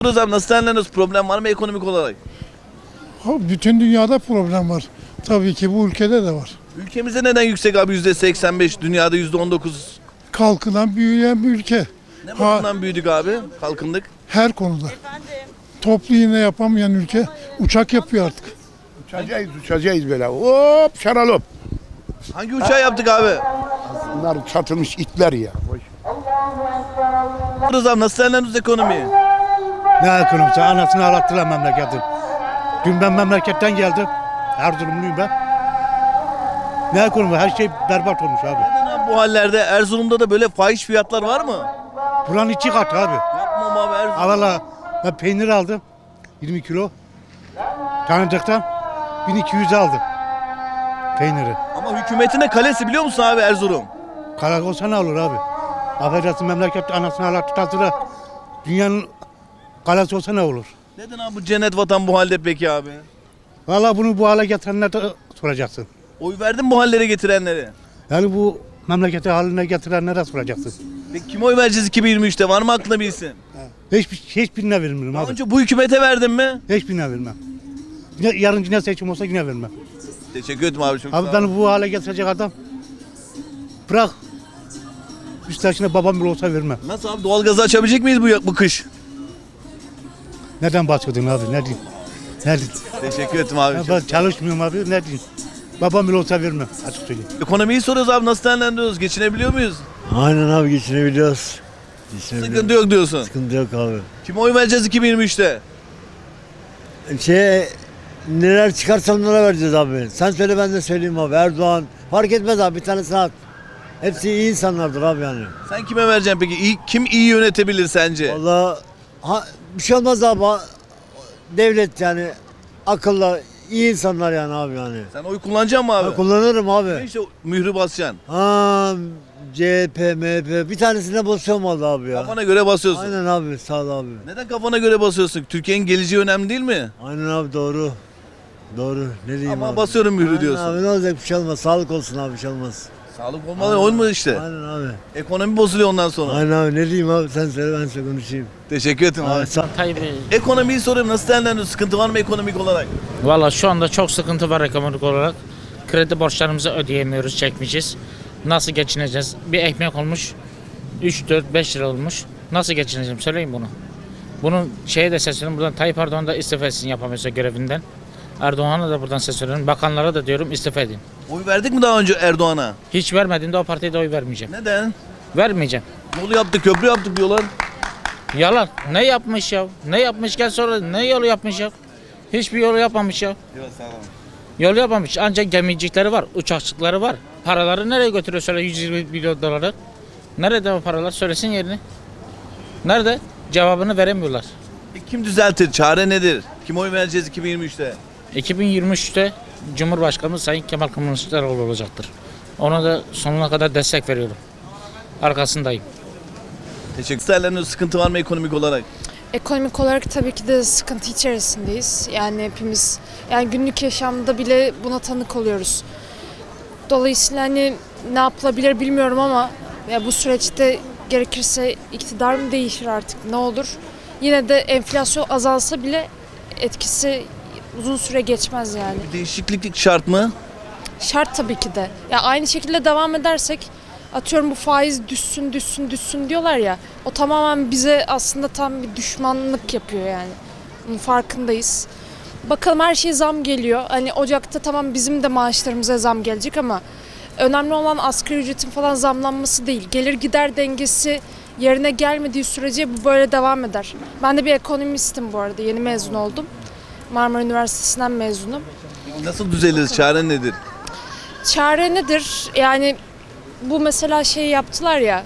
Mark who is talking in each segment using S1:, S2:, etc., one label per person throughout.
S1: Abi nasıl değerlendiriyorsunuz? Problem var mı ekonomik olarak?
S2: Bütün dünyada problem var. Tabii ki bu ülkede de var.
S1: Ülkemizde neden yüksek abi %85, dünyada %19?
S2: Kalkınan, büyüyen bir ülke.
S1: Ne bakımdan büyüdük abi? Kalkındık.
S2: Her konuda. Toplu iğne yapamayan ülke uçak yapıyor artık.
S3: Uçacağız böyle. Hop şaralop.
S1: Hangi uçağı yaptık abi?
S3: Bunlar çatılmış itler ya.
S1: Abi nasıl değerlendiriyorsunuz ekonomiyi?
S4: Ne ekonomisi? Anasını ağlattılar memleketin. Dün ben memleketten geldim. Erzurumluyum ben. Ne ekonomi? Her şey berbat olmuş abi.
S1: Neden abi bu hallerde Erzurum'da da böyle fahiş fiyatlar var mı?
S4: Buranın 2 katı abi.
S1: Yapmam abi Erzurum.
S4: Valla ben peynir aldım. 20 kilo. Tanıdıktan 1200 aldım. Peyniri.
S1: Ama hükümetin de kalesi biliyor musun abi Erzurum?
S4: Karak olsa ne olur abi? Affedersin memleket anasını ağlattıktan sonra dünyanın kalesi olsa ne olur?
S1: Neden abi bu cennet vatan bu halde peki abi?
S4: Valla bunu bu hale getirenler de soracaksın.
S1: Oy verdin bu hallere getirenleri.
S4: Yani bu memleketi haline getirenlere soracaksın.
S1: Peki kime oy vereceğiz 2023'te? Var mı aklına bir isim?
S4: Hiçbirine vermiyorum
S1: Daha
S4: abi.
S1: önce bu hükümete verdin mi?
S4: Hiçbirine vermem. Yarın yine seçim olsa yine vermem.
S1: Teşekkür ederim abi çok
S4: Abi
S1: sağ ol.
S4: beni bu hale getirecek adam bırak. Üst yaşına babam bile olsa vermem.
S1: Nasıl abi doğalgazı açabilecek miyiz bu kış?
S4: Neden bahsediyorsun abi? Ne diyeyim? Ne diyeyim?
S1: Teşekkür ederim abi.
S4: Ben çalışmıyorum abi. Ne diyeyim? Babam bile olsa vermem. Açık söyleyeyim.
S1: Ekonomiyi soruyoruz abi nasıl değerlendiriyoruz? Geçinebiliyor muyuz?
S5: Aynen abi geçinebiliyoruz.
S1: Sıkıntı yok diyorsun.
S5: Sıkıntı yok abi.
S1: Kime oy vereceğiz 2023'te?
S5: Neler çıkarsa onlara vereceğiz abi. Sen söyle ben de söyleyeyim abi. Erdoğan fark etmez abi bir tanesini at. Hepsi iyi insanlardır abi yani.
S1: Sen kime vereceksin peki? Kim iyi yönetebilir sence?
S5: Vallahi bir şey olmaz abi. Devlet yani akıllı iyi insanlar yani abi yani.
S1: Sen oy kullanacaksın mı abi?
S5: Ben kullanırım
S1: Ne
S5: abi.
S1: işte mührü basacaksın.
S5: Ha CHP, MHP bir tanesine basıyorum vallahi abi ya.
S1: Kafana göre basıyorsun.
S5: Aynen abi sağ ol abi.
S1: Neden kafana göre basıyorsun? Türkiye'nin geleceği önemli değil mi?
S5: Aynen abi doğru. Doğru. Ne diyeyim
S1: Ama
S5: abi.
S1: basıyorum mührü
S5: Aynen
S1: diyorsun.
S5: abi ne olacak bir şey olmaz. Sağlık olsun abi bir şey olmaz.
S1: Sağlık olmadan olmuyor işte.
S5: Aynen abi.
S1: Ekonomi bozuluyor ondan sonra.
S5: Aynen abi ne diyeyim abi sen söyle ben size konuşayım.
S1: Teşekkür ederim abi.
S5: Abi, sağ
S1: Ekonomiyi soruyorum nasıl değerlendiriyorsun? Sıkıntı var mı ekonomik olarak?
S6: Valla şu anda çok sıkıntı var ekonomik olarak. Kredi borçlarımızı ödeyemiyoruz, çekmişiz. Nasıl geçineceğiz? Bir ekmek olmuş 3, 4, 5 lira olmuş. Nasıl geçineceğim? Söyleyin bunu. Bunun şeye de sesleniyorum. Buradan Tayyip Erdoğan da istifa etsin yapamıyorsa görevinden. Erdoğan'a da buradan sesleniyorum. Bakanlara da diyorum istifa edin.
S1: Oy verdik mi daha önce Erdoğan'a?
S6: Hiç vermediğimde o partiye de oy vermeyeceğim.
S1: Neden?
S6: Vermeyeceğim.
S1: Yolu yaptık, köprü yaptık diyorlar.
S6: Yalan. Ne yapmış ya? Ne yapmış? Gel sonra ne yolu yapmış ya? Hiçbir yolu yapmamış ya.
S1: Yok sağ olun.
S6: Yol yapmamış. Ancak gemicikleri var, uçakçıkları var. Paraları nereye götürüyor söyle 120 milyon doları? Nerede o paralar? Söylesin yerini. Nerede? Cevabını veremiyorlar.
S1: Kim düzeltir? Çare nedir? Kim oy vereceğiz 2023'te?
S6: 2023'te Cumhurbaşkanımız Sayın Kemal Kılıçdaroğlu olacaktır. Ona da sonuna kadar destek veriyorum. Arkasındayım.
S1: Teşekkür ederim. Sıkıntı var mı ekonomik olarak?
S7: Ekonomik olarak tabii ki de sıkıntı içerisindeyiz. Yani hepimiz yani günlük yaşamda bile buna tanık oluyoruz. Dolayısıyla hani ne yapılabilir bilmiyorum ama ya bu süreçte gerekirse iktidar mı değişir artık ne olur? Yine de enflasyon azalsa bile etkisi uzun süre geçmez yani.
S1: Bir değişiklik şart mı?
S7: Şart tabii ki de. Ya aynı şekilde devam edersek atıyorum bu faiz düşsün diyorlar ya. O tamamen bize aslında tam bir düşmanlık yapıyor yani. Bunun farkındayız. Bakalım her şeye zam geliyor. Hani Ocak'ta tamam bizim de maaşlarımıza zam gelecek ama önemli olan asgari ücretin falan zamlanması değil. Gelir gider dengesi yerine gelmediği sürece bu böyle devam eder. Ben de bir ekonomistim bu arada. Yeni mezun oldum. Marmara Üniversitesi'nden mezunum.
S1: Nasıl düzeliriz? Çare nedir?
S7: Çare nedir? Yani bu mesela şey yaptılar ya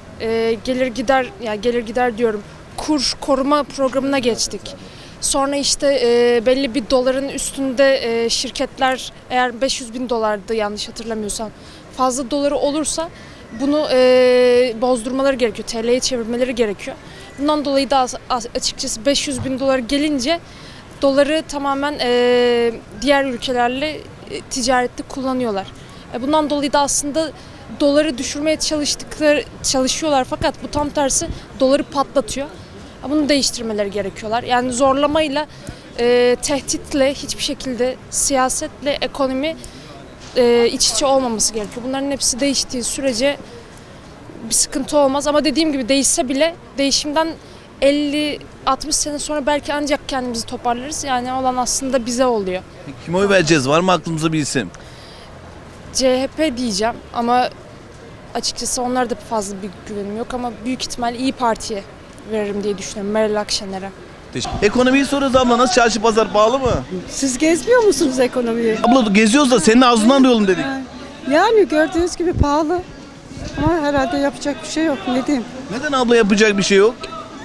S7: gelir gider diyorum kur koruma programına geçtik. Sonra işte belli bir doların üstünde şirketler eğer 500 bin dolardı yanlış hatırlamıyorsam fazla doları olursa bunu bozdurmaları gerekiyor. TL'ye çevirmeleri gerekiyor. Bundan dolayı da açıkçası 500 bin dolar gelince doları tamamen diğer ülkelerle ticarette kullanıyorlar. Bundan dolayı da aslında doları düşürmeye çalışıyorlar fakat bu tam tersi doları patlatıyor. Bunu değiştirmeleri gerekiyorlar. Yani zorlamayla, tehditle hiçbir şekilde siyasetle ekonomi iç içe olmaması gerekiyor. Bunların hepsi değiştiği sürece bir sıkıntı olmaz. Ama dediğim gibi değişse bile değişimden 50-60 sene sonra belki ancak kendimizi toparlarız. Yani olan aslında bize oluyor.
S1: Kime oy vereceğiz? Var mı aklımıza bir isim?
S7: CHP diyeceğim ama açıkçası onlara da fazla bir güvenim yok ama büyük ihtimal İyi Parti'ye veririm diye düşünüyorum. Meral Akşener'e.
S1: Ekonomiyi soruyoruz abla. Nasıl, çarşı pazar pahalı mı?
S8: Siz gezmiyor musunuz ekonomiyi?
S1: Abla geziyoruz da senin ağzından duyalım dedik.
S8: Yani gördüğünüz gibi pahalı. Ama herhalde yapacak bir şey yok. Ne diyeyim?
S1: Neden abla yapacak bir şey yok?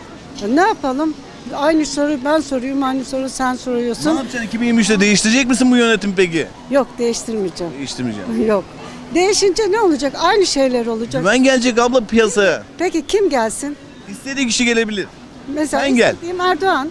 S8: Ne yapalım? Aynı soruyu ben soruyorum, aynı soru sen
S1: Ne
S8: soruyorsun.
S1: yapacaksın 2023'te? Değiştirecek misin bu yönetim peki?
S8: Yok, değiştirmeyeceğim.
S1: Değiştirmeyeceğim.
S8: Yok. Değişince ne olacak? Aynı şeyler olacak.
S1: Güven gelecek abla piyasaya.
S8: Peki kim gelsin?
S1: İstediği kişi gelebilir.
S8: Mesela
S1: Sen gel.
S8: istediğim Erdoğan.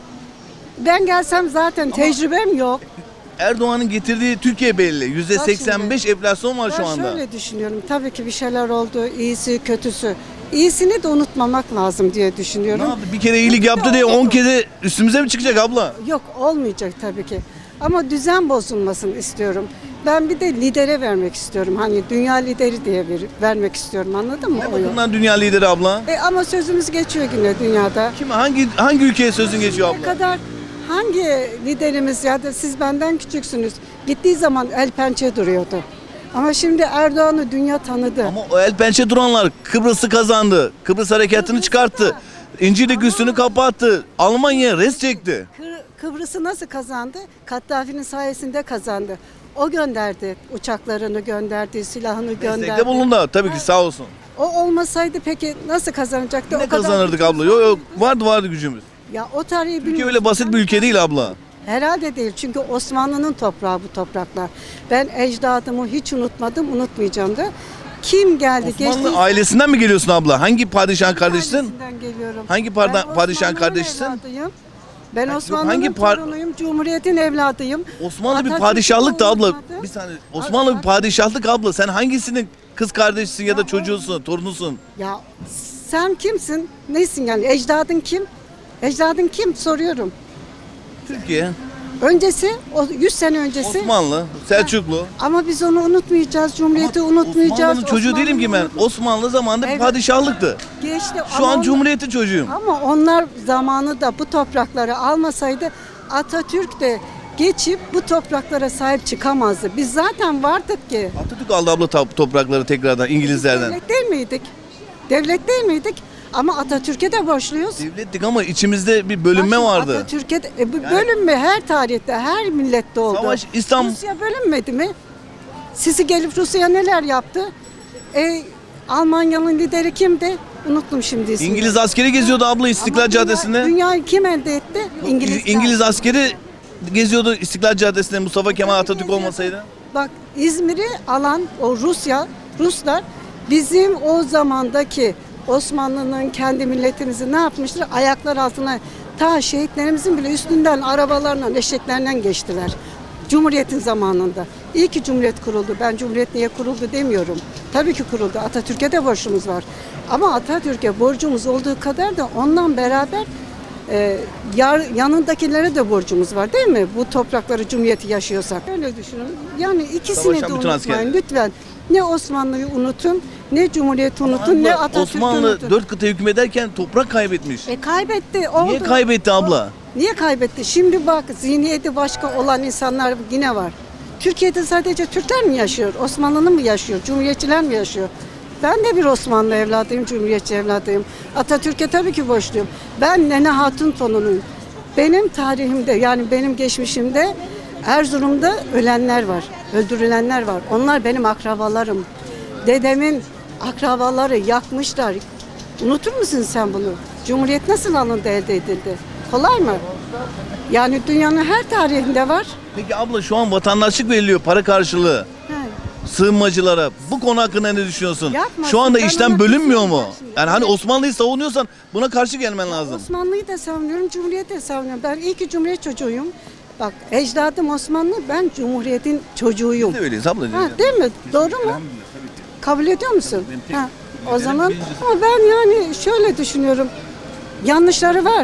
S8: Ben gelsem zaten tecrübem yok.
S1: Erdoğan'ın getirdiği Türkiye belli. %85 enflasyon var şu
S8: Ben
S1: anda.
S8: şöyle düşünüyorum. Tabii ki bir şeyler oldu. İyisi, kötüsü. İyisini de unutmamak lazım diye
S1: Ne
S8: düşünüyorum.
S1: yaptı? Bir kere iyilik yaptı diye 10 kere üstümüze mi çıkacak abla?
S8: Yok, olmayacak tabii ki. Ama düzen bozulmasını istiyorum. Ben bir de lidere vermek istiyorum. Hani dünya lideri diye vermek istiyorum. Anladın mı?
S1: Ne
S8: oyu?
S1: bakımdan dünya lideri abla?
S8: Ama sözümüz geçiyor yine dünyada.
S1: Kim, hangi ülkeye sözün geçiyor
S8: Ne
S1: abla?
S8: kadar hangi liderimiz ya da siz benden küçüksünüz. Gittiği zaman el pençe duruyordu. Ama şimdi Erdoğan'ı dünya tanıdı.
S1: Ama o el pençe duranlar Kıbrıs'ı kazandı. Kıbrıs harekatını çıkarttı. İncirlik üstünü kapattı. Almanya res çekti.
S8: Kıbrıs'ı nasıl kazandı? Kaddafi'nin sayesinde kazandı. O gönderdi. Uçaklarını gönderdi, silahını gönderdi.
S1: Destekte bulundu tabii ki, sağ olsun.
S8: O olmasaydı peki nasıl kazanacaktı?
S1: Ne
S8: O kadar
S1: kazanırdık
S8: gücümüz
S1: abla? Yok yok,
S8: var
S1: vardı gücümüz.
S8: Ya o tarihi
S1: Türkiye
S8: bilmiyorum.
S1: öyle basit bir ülke değil abla.
S8: Herhalde değil. Çünkü Osmanlı'nın toprağı bu topraklar. Ben ecdadımı hiç unutmadım, unutmayacağım da. Kim geldi?
S1: Osmanlı ailesinden mi geliyorsun abla? Hangi padişahın kardeşisin?
S8: Ailesinden geliyorum.
S1: Hangi
S8: Ben
S1: padişahın
S8: Osmanlı'nın
S1: kardeşisin?
S8: evladıyım. Ben
S1: Hangi
S8: Osmanlı'nın torunuyum, Cumhuriyet'in evladıyım.
S1: Osmanlı bir
S8: Atatürk'ü
S1: padişahlık da abla.
S8: unutmadım.
S1: Bir saniye. Osmanlı bir padişahlık abla. Sen hangisinin kız kardeşisin ya da çocuğusun, torunusun?
S8: Ya sen kimsin? Nesin yani? Ecdadın kim? Ecdadın kim? Soruyorum.
S1: Türkiye,
S8: Öncesi, o 100 sene öncesi.
S1: Osmanlı, Selçuklu.
S8: Ama biz onu unutmayacağız, Cumhuriyeti unutmayacağız.
S1: Osmanlı'nın çocuğu değilim ki ben. Osmanlı zamanında bir
S8: Evet.
S1: padişahlıktı.
S8: Geçti.
S1: Şu
S8: ama
S1: an
S8: onlar-
S1: Cumhuriyeti çocuğuyum.
S8: Ama onlar zamanı da bu toprakları almasaydı Atatürk de geçip bu topraklara sahip çıkamazdı. Biz zaten vardık ki.
S1: Atatürk aldı abla toprakları tekrardan İngilizlerden.
S8: Devlet değil miydik? Devlet değil miydik? Ama Atatürk'e de borçluyuz.
S1: Devlettik ama içimizde bir bölünme
S8: Bak,
S1: vardı.
S8: Atatürk'e de, bu bölünme her tarihte, her millette oldu.
S1: Savaş, İstanbul.
S8: Rusya bölünmedi mi? Sizi gelip Rusya neler yaptı? Almanya'nın lideri kimdi? Unuttum şimdi ismini.
S1: İngiliz askeri geziyordu abla İstiklal
S8: Ama
S1: Caddesi'nde.
S8: Dünyayı kim elde etti?
S1: İngiliz askeri geziyordu İstiklal Caddesi'nde, Mustafa Kemal Atatürk olmasaydı.
S8: Bak, İzmir'i alan o Ruslar bizim o zamandaki Osmanlı'nın kendi milletimizi ne yapmıştır? Ayaklar altına ta şehitlerimizin bile üstünden arabalarla, eşeklerinden geçtiler. Cumhuriyetin zamanında. İyi ki Cumhuriyet kuruldu. Ben Cumhuriyet niye kuruldu demiyorum. Tabii ki kuruldu. Atatürk'e de borcumuz var. Ama Atatürk'e borcumuz olduğu kadar da ondan beraber yanındakilere de borcumuz var değil mi? Bu toprakları, Cumhuriyeti yaşıyorsak. Öyle düşünün. Yani ikisini
S1: Savaşan
S8: de
S1: bütün
S8: unutmayın
S1: askerler.
S8: lütfen. Ne Osmanlı'yı unutun, ne Cumhuriyet'i unutun, ne
S1: Abla,
S8: Atatürk'ü
S1: Osmanlı
S8: unutun.
S1: 4 kıta hükmederken toprak kaybetmiş.
S8: Kaybetti. Oldu.
S1: Niye kaybetti abla?
S8: Niye kaybetti? Şimdi bak, zihniyeti başka olan insanlar yine var. Türkiye'de sadece Türkler mi yaşıyor? Osmanlı'nın mı yaşıyor? Cumhuriyetçiler mi yaşıyor? Ben de bir Osmanlı evladıyım, Cumhuriyetçi evladıyım. Atatürk'e tabii ki borçluyum. Ben Nene Hatun torunuyum. Benim tarihimde, yani benim geçmişimde Erzurum'da ölenler var, öldürülenler var. Onlar benim akrabalarım. Dedemin akrabaları yakmışlar. Unutur musun sen bunu? Cumhuriyet nasıl alındı, elde edildi? Kolay mı? Yani dünyanın her tarihinde var.
S1: Peki abla şu an vatandaşlık veriliyor para karşılığı sığınmacılara. Bu konu hakkında ne düşünüyorsun?
S8: Yapmasın.
S1: Şu anda
S8: Ben
S1: işten
S8: ona
S1: bölünmüyor
S8: kızıyorum
S1: mu?
S8: ben şimdi.
S1: Yani hani
S8: Evet.
S1: Osmanlı'yı savunuyorsan buna karşı gelmen lazım.
S8: Osmanlı'yı da savunuyorum, Cumhuriyet'i de savunuyorum. Ben iyi ki Cumhuriyet çocuğuyum. Bak, ecdadım Osmanlı, ben Cumhuriyet'in çocuğuyum.
S1: Biz de öyleyiz abla.
S8: Ha, değil mi? Doğru mu? Kabul ediyor musun? Ha, o zaman ama ben yani şöyle düşünüyorum. Yanlışları var.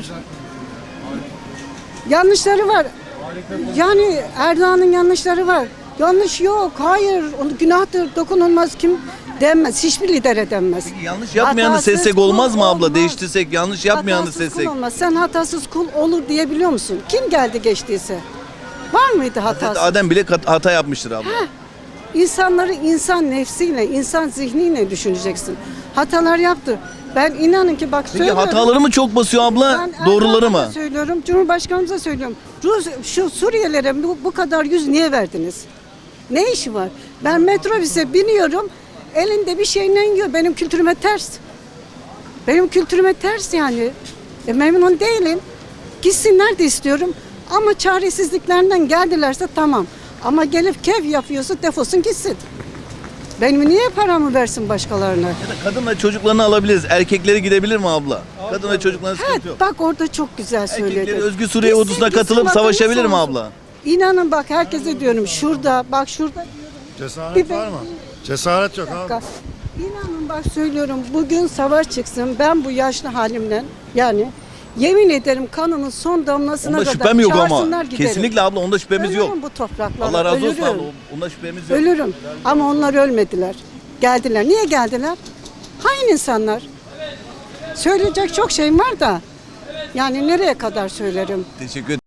S8: Yanlışları var. Yani Erdoğan'ın yanlışları var. Yanlış yok. Hayır. Onu günahtır. Dokunulmaz kim denmez. Hiçbir lidere denmez.
S1: Yanlış yapmayanı
S8: Hatasız
S1: seçsek
S8: kul
S1: olmaz mı abla?
S8: olmaz.
S1: Değiştirsek, yanlış yapmayanı
S8: Hatasız
S1: seçsek.
S8: kul olmaz. Sen hatasız kul olur diyebiliyor musun? Kim geldi geçtiyse? Var mıydı hatası?
S1: Adem bile hata yapmıştır abla.
S8: İnsanları insan nefsiyle, insan zihniyle düşüneceksin. Hatalar yaptı. Ben inanın ki bak
S1: Peki
S8: söylüyorum.
S1: hataları mı çok basıyor abla?
S8: Ben
S1: Doğruları
S8: Erdoğan'a
S1: mı?
S8: da söylüyorum, Cumhurbaşkanımıza söylüyorum. Şu Suriyelilere bu kadar yüz niye verdiniz? Ne işi var? Ben metrobüse biniyorum, elinde bir şeyle yiyor. Benim kültürüme ters. Benim kültürüme ters yani. Memnun değilim. Gitsinler de istiyorum. Ama çaresizliklerinden geldilerse tamam. Ama gelip keyif yapıyorsa defolsun gitsin. Benim niye paramı versin başkalarına?
S1: Kadın ve çocuklarını alabiliriz. Erkekleri gidebilir mi abla? Kadın ve çocuklarına
S8: Evet,
S1: sıkıntı yok.
S8: bak orada çok güzel söyledin.
S1: Erkekleri Özgür Suriye
S8: Gitsin,
S1: ordusuna
S8: gitsin,
S1: katılıp
S8: vatanı
S1: savaşabilir mi
S8: savunsun.
S1: abla?
S8: İnanın bak herkese diyorum şurada, bak şurada.
S9: Cesaret var mı? Cesaret yok abi.
S8: İnanın bak söylüyorum bugün savaş çıksın ben bu yaşlı halimle yani yemin ederim kanımın son damlasına
S1: Onda
S8: kadar
S1: şüphem yok ama.
S8: çağırsınlar giderim.
S1: Kesinlikle abla onda şüphemiz
S8: Ölürüm
S1: yok.
S8: bu topraklara.
S1: Allah razı olsun
S8: ölürüm.
S1: abla. Onda şüphemiz yok.
S8: Ölürüm ama onlar ölmediler. Geldiler. Niye geldiler? Hain insanlar. Söyleyecek çok şeyim var da yani nereye kadar söylerim?
S1: Teşekkür ederim.